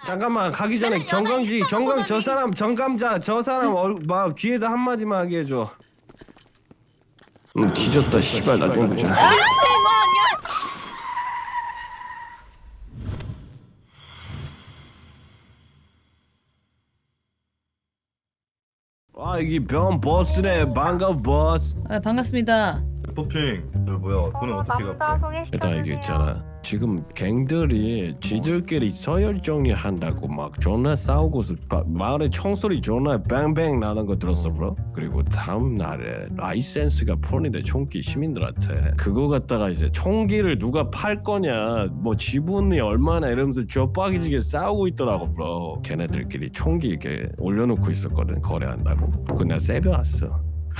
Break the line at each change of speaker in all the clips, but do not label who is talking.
잠깐만 가기 전에 경강지 경강 저 사람 정감자 저 사람 막 귀에다 한마디만 하게 해줘. 뒤졌다 씨발 나중에 보자. 아 여기 병 버스네. 반가워 버스.
아, 반갑습니다.
퍼핑 뭐야 돈은 어떻게 갚게?
일단 이게 있잖아. 지금 갱들이 지들끼리 서열 정리한다고 막 존나 싸우고서 마을에 총소리 존나 뱅뱅 나는 거 들었어 브로? 그리고 다음 날에 라이센스가 풀리는데 총기 시민들한테 그거 갖다가 이제 총기를 누가 팔 거냐 뭐 지분이 얼마나 이러면서 쥐어빠기지게 싸우고 있더라고 브로. 걔네들끼리 총기 이렇게 올려놓고 있었거든 거래한다고. 그거 내가 세벼왔어.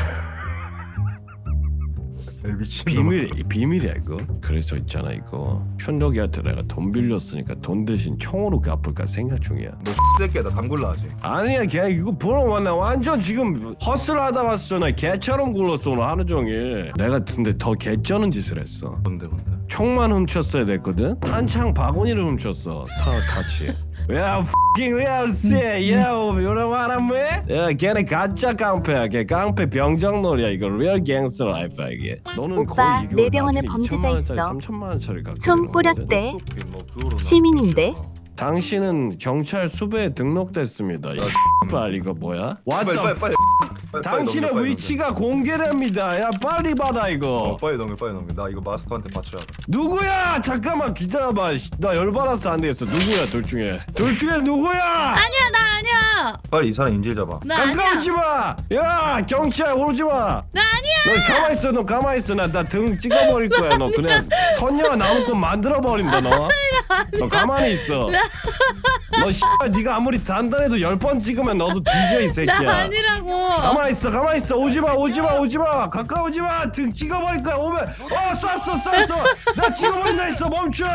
비밀이야 이거. 그래서 있잖아 이거 춘덕이한테 내가 돈 빌렸으니까 돈 대신 총으로 갚을까 생각 중이야.
너 새끼야 나 당굴라 하지.
아니야 걔 이거 보러 왔나 완전 지금 헛슬하다 왔어. 나 개처럼 굴렀어 오늘 하루 종일. 내가 근데 더 개쩌는 짓을 했어.
뭔데?
총만 훔쳤어야 됐거든. 탄창 바구니를 훔쳤어. 다 같이. 야 fucking real shit yo you know what I mean? 야 걔네 가짜 깡패야. 걔 깡패 병정놀이야. 이거 real gangster life야 이게. 너는
오빠,
거의 이거
내 병원에
나중에
범죄자
2천만 원짜리,
있어.
3천만 원짜리 갖고
총
있는 거거든.
뿌렸대. 시민인데?
당신은 경찰 수배에 등록됐습니다. 이 X발 이거 뭐야?
빨리.
당신의
넘겨,
위치가 공개됩니다. 야 빨리 받아 이거.
빨리 넘겨. 나 이거 마스터한테 맞춰야 돼.
누구야? 잠깐만 기다려봐. 나 열받아서 안 되겠어. 누구야 둘 중에 누구야?
아니야, 나 아니야.
빨리 이 사람 인질 잡아.
나 아니야.
가까우지 마. 야 경찰 오지 마.
나 아니야.
너 가만 있어. 너 가만 있어. 나 등 찍어버릴 거야. 너 그냥 선녀가 나올 거 만들어 버린다 너. 너 가만히 있어. 너 씨발 네가 아무리 단단해도 10번 찍으면 너도 뒤져 이 새끼야.
나 아니라고.
가만히 있어. 오지 마. 가까우지 마. 등 찍어버릴 거야. 오면 쐈어. 나 찍어버린다 했어. 멈춰.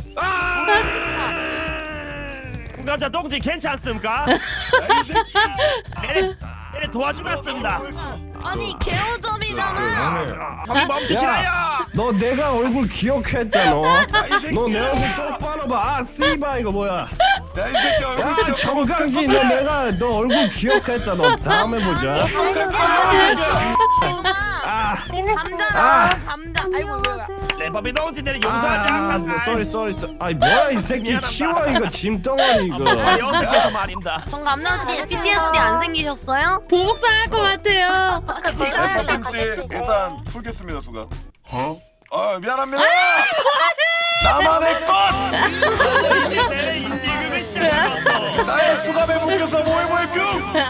남자 동지 괜찮습니까? 네, 도와주겠습니다.
아니 개오점이잖아.
거기 멈추시라요.
너 내가 얼굴 기억했다 너. 너 내 얼굴 똑바로 봐. 씨발 이거 뭐야?
야, 이 새끼 얼굴
야 정강지 너 얼굴 기억했다. 너 다음에 보자.
감자라 감자. 아이고 뭐야.
레버비 동지 내를 용서하지 않겠다.
쏘리. 아이 뭐야 이 새끼 치워 이거 짐덩어리 이거.
여기서 말입니다.
정 감자씨 PTSD 안 생기셨어요?
보복당할 것 같아요.
퍼핑씨 일단 풀겠습니다 수가. 미안합니다. 나만의 것.
내 인지금을 시작했어.
나의 수갑에 묶여서 뭐해 뀨.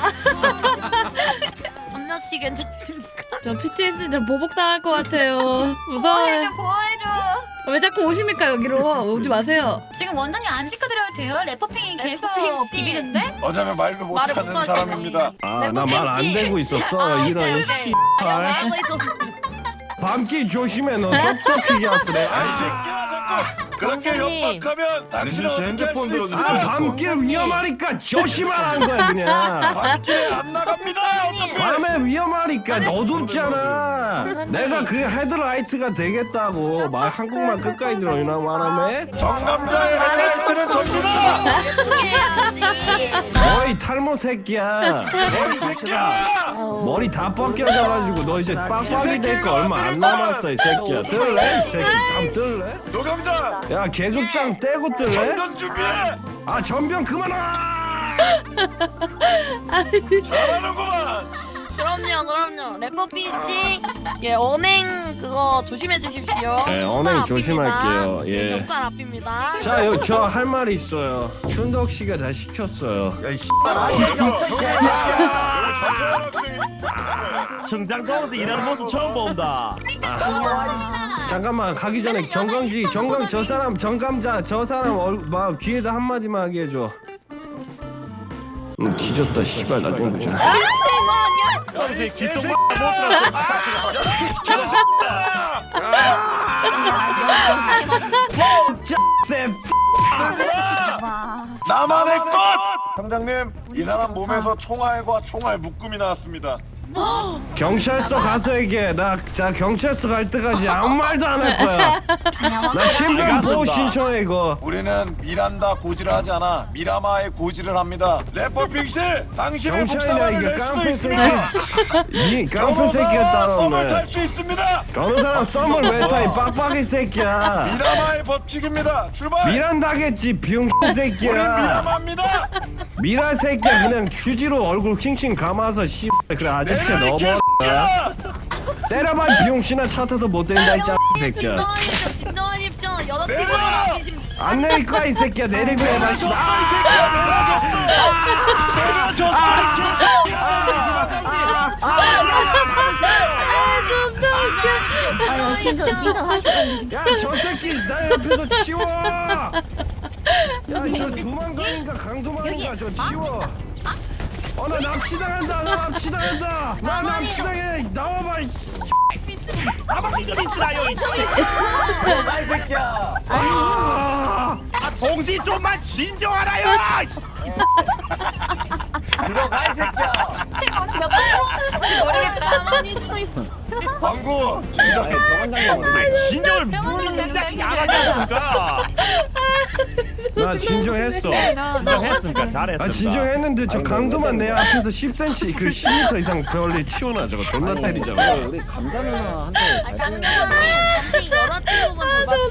감자씨 괜찮으십니까?
저 PTSD 저 보복당할 것 같아요. 무서워요.
구해줘.
왜 자꾸 오십니까 여기로? 오지 마세요.
지금 원장님 안 지켜드려도 돼요? 래퍼핑이 계속
래퍼핑 씨.
비비는데?
어쩌면 말도
말을
못하는
못하시니.
사람입니다.
나 말 안 되고 있었어. 이런 씨발.
알고 있었어.
밤길 조심해. 너 똑똑히게 하스래.
이 새끼야 자꾸 그렇게
원장님.
협박하면 당신은
제
어떻게
핸드폰
할수
들어주세요.
있습니까?
밤길 위험하니까 조심하라는 거야 그냥.
밤길에 안 나갑니다. 어차피.
밤에 위험하니까 어둡잖아. 내가 그 헤드라이트가 되겠다고. 말 한국말 끝까지 들어. 이나 말하네.
정남자의 헤드라이트는 접니다.
너희 탈모 새끼야.
이 새끼야.
머리 다 벗겨져가지고 너 이제 빡빡이 될 거 얼마 안 남았어 이 새끼야. 들래? 이 새끼 잠 들래?
노경자
야 계급장 떼고 들래?
전전 준비해.
아 전병 그만 와.
잘하는구만.
그럼요. 래퍼핑 씨, 예 언행 그거 조심해 주십시오.
네, 언행
경찰 앞입니다.
조심할게요. 예.
경찰 앞입니다.
자, 여기 저 할 말이 있어요. 춘덕 씨가 다 시켰어요.
야이 씨발.
성장 동지 일하는 모습 처음 본다.
잠깐만 가기 전에 경강 저 사람 정감자 저 사람 막 귀에다 한마디만 하게 해줘. 뒤졌다 씨발 나중에 보자.
동지 기속 못 들었어.
나만의 것! 형장님 이 사람 몸에서 총알과 총알 묶음이 나왔습니다.
경찰서 가서 얘기해. 나 경찰서 갈 때까지 아무 말도 안 할 거야. 나 신변 보호 신청해 이거.
우리는 미란다 고지를 하지 않아. 미라마의 고지를 합니다. 래퍼핑 씨, 당신의
경찰이야
복사만을
이게
낼 수도
깡패
있습니다.
새끼. 이 깡패 새끼가
변호사 썸을
따라오네.
탈 수 있습니다.
변호사랑 썸을 왜 타? 이 빡빡이 새끼야.
미라마의 법칙입니다. 출발.
미란다겠지 병신
우린
새끼야.
미라마입니다.
미라 새끼야 그냥 휴지로 얼굴 킹킹 감아서 씨 그래 아저씨 넘어. 때려봐 병신아 차 타서 못 된다 이 짜 새끼야.
진정하십시오. 여자친구분 계신.
안 내릴 거야 이 새끼야 내리고 해봐.
내려줬어 이 새끼야. 내려줬어. 내려줬어 이 개새끼야.
아유 진정하시고.
야 저 새끼 나 옆에서 치워. 야저 도망가니까 강도망인가 저 치워. 나 납치당한다. 나 납치당한다. 나 납치당해. 나와봐. 이
가만히 좀 있으라요 이
새끼야.
아!
동지 좀만 진정하라요.
들어가 이 새끼야.
모르겠다. 가만히 좀 있어.
방구 진짜.
진정을 무슨 야가게 하니까.
나 진정했어.
진정했으니까 잘했습니다.
아 진정했는데 저 강도만 내 앞에서 10cm 그 10m 이상 별리 치워놔 저거 존나 때리잖아.
우리 감자 누나한테
강남이 여자친구분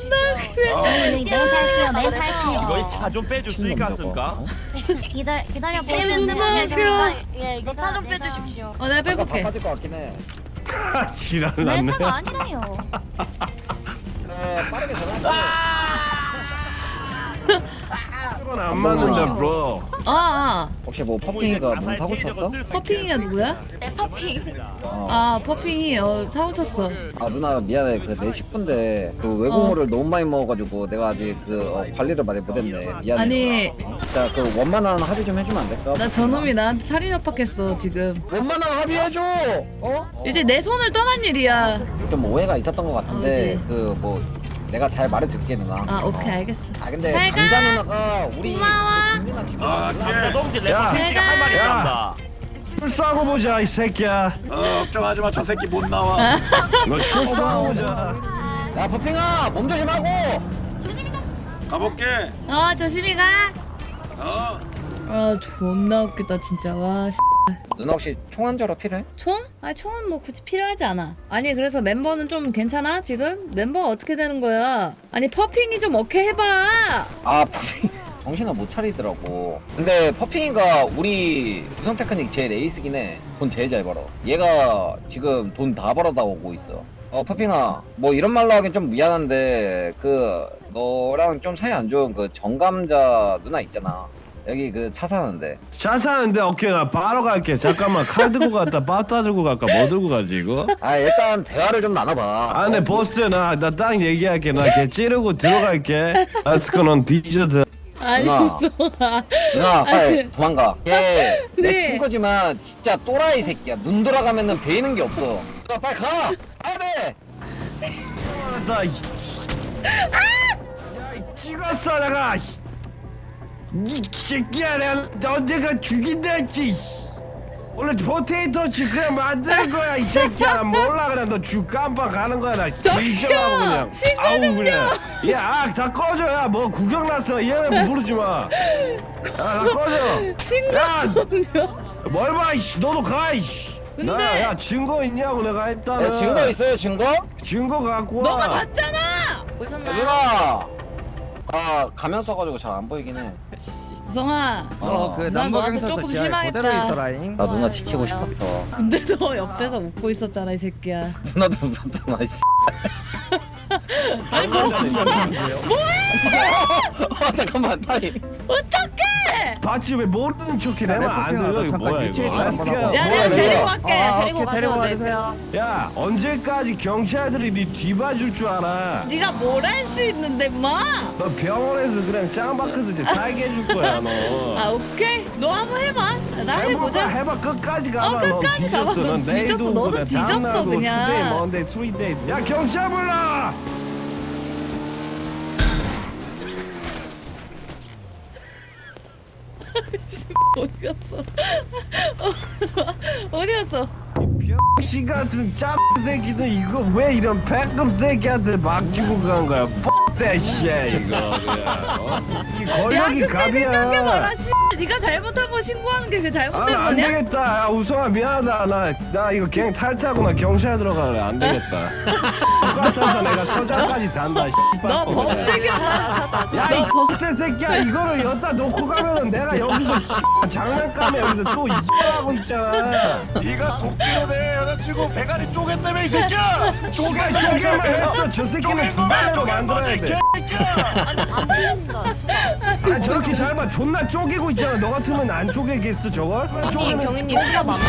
이거 차 좀 빼줄 수 있겠습니까?
기다려
예, 이거 차 좀 빼주십시오.
내가 빼볼게.
빠질 것 같긴 해.
지랄
내
났네.
차가 아니라요.
빠르게 전화할게.
이건 안 맞는다 bro.
혹시 뭐 퍼핑이가 뭔 사고 쳤어?
퍼핑이가 누구야?
퍼핑.
퍼핑이 사고 쳤어.
아 누나 미안해 그 내 식구인데 그 외국물을 너무 많이 먹어가지고 내가 아직 그 관리를 많이 못했네 미안해.
아니
진짜 그 원만한 합의 좀 해주면 안 될까?
나 저놈이 나한테 살인 협박했어 지금.
원만한 합의해줘.
이제 내 손을 떠난 일이야.
좀 오해가 있었던 것 같은데
그치.
그 뭐 내가 잘 말해줄게 누나.
오케이 알겠어.
아 근데
잘 가.
감자 누나가 우리
고마워.
국민아 기분
동지
야.
래퍼핑씨가 할 말이 있답니다.
술 쏴고 보자 이 새끼야.
걱정하지 마. 저 새끼 못 나와.
너술 쏴고 보자.
야 퍼핑아 몸 조심하고.
조심히 가.
가볼게.
조심히 가. 존나 웃기다 진짜. 와
누나 혹시 총 한 자루 필요해?
총? 총은 뭐 굳이 필요하지 않아. 아니 그래서 멤버는 좀 괜찮아 지금? 멤버가 어떻게 되는 거야? 아니 퍼핑이 좀 오케이 해봐.
아 퍼핑 정신을 못 차리더라고. 근데 퍼핑이가 우리 구성 테크닉 제일 에이스긴 해. 돈 제일 잘 벌어. 얘가 지금 돈 다 벌어다 오고 있어. 퍼핑아 뭐 이런 말로 하긴 좀 미안한데 그 너랑 좀 사이 안 좋은 그 정감자 누나 있잖아. 여기 그 차 사는데.
차 사는데 오케이 나 바로 갈게. 잠깐만 칼 들고 갔다 빠따 들고 갈까 뭐 들고 가지 이거?
아 일단 대화를 좀 나눠봐.
아 네 보스 나 딱 얘기할게. 나 걔 찌르고 들어갈게. 아스코는 디저트.
아니
누나.
무서워.
누나 빨리 도망가. 걔 내
네.
친구지만 진짜 또라이 새끼야. 눈 돌아가면은 베이는 게 없어. 누나 빨리 가. 가야 돼.
나 야, 찍었어 내가. 이 새끼야 내가 언제가 죽인다 했지. 원래 포테이토 칩 그냥 만드는 거야 이 새끼야. 나 몰라 그냥 너 죽 깜빡 가는 거야 나 진정하고 그냥. 아우 그냥. 야다 꺼져. 야 뭐 구경 났어 얘네 부르지 마. 야다 꺼져. 뭘 봐 이씨. 너도 가 이씨.
근데-
야 증거 있냐고 내가 했다는.
네, 증거 있어요 증거?
증거 갖고 와.
너가 봤잖아.
누나. 아 가면 써가지고 잘 안 보이긴 해.
우성아.
그
난 너한테 조금 실망했다.
나 누나 지키고 싶었어.
근데 너 옆에서 웃고 있었잖아 이 새끼야.
누나도 웃었잖아 씨.
아니 뭐
잠깐만 타임.
어떡해?
봤지 왜 모르는 척해 내면 안 돼요 이거 뭐야 이거.
야
뭐야,
내가 데리고 갈게.
데리고 가세요.
야 언제까지 경찰들이 네 뒤봐줄 줄 알아.
네가 뭘 할 수 있는데 마?
너 병원에서 그냥 짱박혀서 이제 살게 해줄 거야 너.
오케이. 너 한번 해봐. 나 해보자.
해봐 끝까지 가봐.
끝까지
너
가봐.
뒤졌어.
너
넌
뒤졌어.
내일도
너도
그래.
뒤졌어,
다음날도
그냥.
투데이 먼데이 스윗데이. 야 경찰 불러.
어디 갔어? 어디 갔어?
씨 같은 짭 새끼들 이거 왜 이런 백급 새끼한테 맡기고 간 거야? Fuck that shit 이거 그냥. 이
야
권력이
근데 생각해봐라
갑이야.
씨. 네가 잘못한 거 신고하는 게 그
아,
잘못된
안
거냐?
되겠다. 야, 우성아 미안하다. 나 이거 갱 탈퇴하고 나 경찰 들어갈래. 안 되겠다. 똑같아서 내가 서장까지 단다.
너 범죄기 잘하다.
야이 X 새끼야 이거를 여기다 놓고 가면은 내가 여기서 장난감에 여기서 또 이짓하고 있잖아.
네가 도끼로 내 여자친구 배가리 쪼갰다며 이 새끼야.
쪼개만 했어. 저 새끼는 두 발로 만들어야 돼.
개새끼야.
안 들린다.
아 저렇게 잘 봐. 존나 쪼개고 있잖아. 너 같으면 안 쪼개겠어 저걸?
아니 경인님 수가 많아.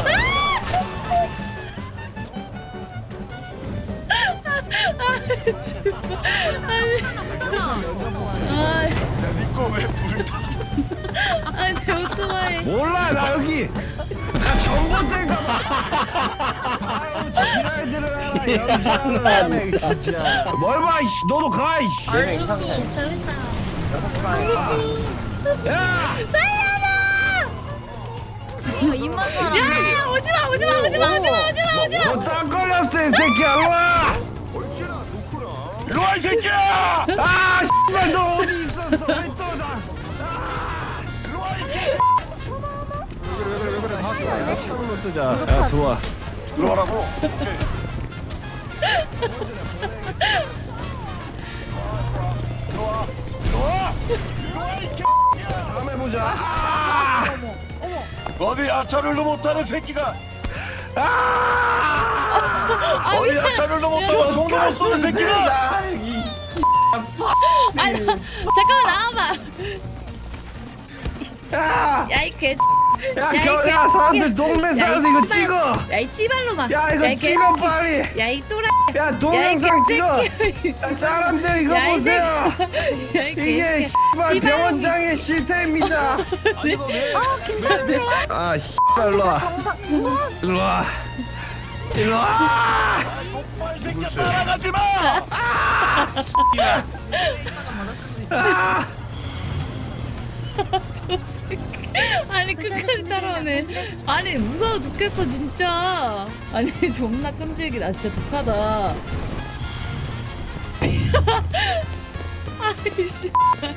아이,
야니꺼왜 불을 타?
아니 내 오토바이.
몰라 나 여기 나 전봇대인가 봐. 아유 지랄들아 연주하네 진짜. 뭘 봐 이씨 너도 가 이씨.
아저씨 저 여기 있어요.
야
이거 입만 사람.
야 오지마.
너 딱 걸렸어 이 새끼야 일로와.
일로와 이 새끼야.
아 씨발 너 어디 있었어 왜 또 나.
일로와 이
창문 뜨자. 야 들어와.
들어와라고. 들어와 이 개새끼야.
다음에 보자. 아!
어디 야차를도 못하는 새끼가.
아!
어디 야차를도 못하고 총도 못 쏘는 새끼가.
아니 잠깐만 나와봐.
야!
야이 개.
야,
이
야, 사람들 동네 사람들 이거 찍어.
야이 찌발로만.
야, 이거 찍어 빨리.
야이 또라.
야, 동영상 찍어.
야,
야, 사람들 이거
야, 이
보세요.
야이
이게 씨발 병원장의 실태입니다.
괜찮으세요?
아, 씨발 일로 와. 일로 와. 일로 와.
목발 새끼야 따라가지 마.
아!
아니 끝까지 따라오네. 아니 무서워 죽겠어 진짜. 아니 존나 끈질기다. 진짜 독하다. 아이씨.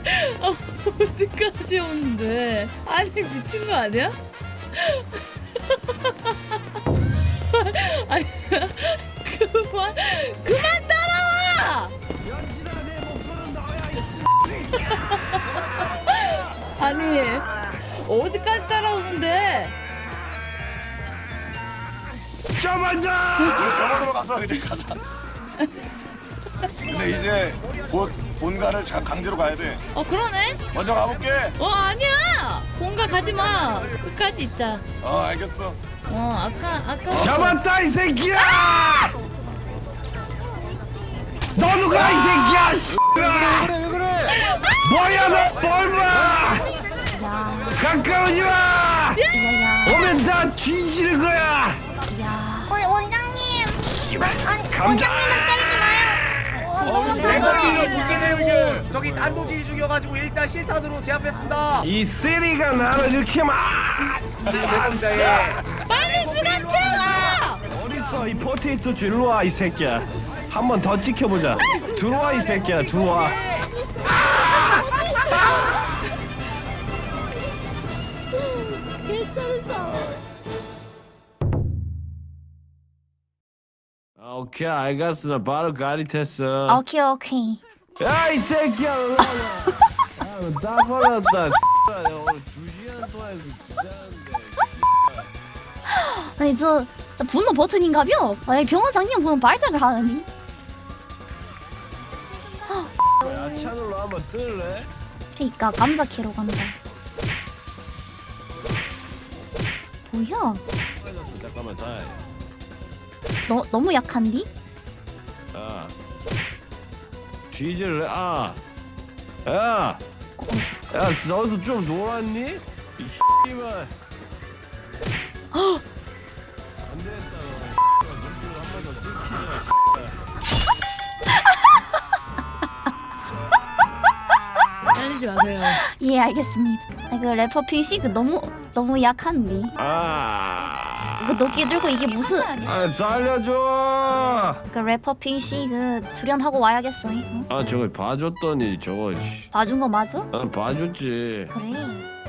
어디까지 오는데? 아니 미친 거 아니야? 아니 그만 따라와! 아니 어디까지 따라오는데?
잡아줘.
우리 병원으로 가서 이제 가자. 근데 이제 곧 본가를 강제로 가야 돼.
그러네?
먼저 가볼게.
아니야! 본가 가지 마! 끝까지 있자.
알겠어.
아까.
잡았다 이 새끼야. 너도 가 이 새끼야. 왜 그래? 뭐야 너뭘 봐? 가까우지 마. 오면 다 뒤지는 거야.
원장님. 아니
감자.
원장님은 때리지 마요.
저기 단도지 죽여가지고 일단 실탄으로 제압했습니다.
이 쓰리가 나를 이렇게 막.
빨리 수갑 채워!
어딨어 이 포테이토 일로 와 이 새끼야. 한 번 더 지켜보자. 들어와 이 새끼야 들어와. 오케이 알겠어. 나 바로 가리tes어.
오케이.
야 이 새끼야 일로 와. 다 걸렸다. 오늘 2시간 동안 기다렸는데.
아니 저 분노 버튼인가벼? 아니 병원장님 보면 발작을 하느니.
야찬으로 한번 뜰래?
그니까 감자 캐러 간다. 뭐야?
잠깐만 다.
너무 약한디?
아. 뒤질래? 아. 야. 야, 너도 좀 놀았니? 이 씨발. 안 되겠다. 너. 눈줄 한번 더 찍히자.
때리지 마세요.
예 알겠습니다. 그 래퍼 핑식 너무 약한디.
아.
그 너끼 들고 이게 무슨
아 살려줘.
그 래퍼 핑씨 그 수련하고 와야겠어. 응?
아 저거 봐줬더니 저거
봐준 거 맞아?
난 봐줬지.
그래.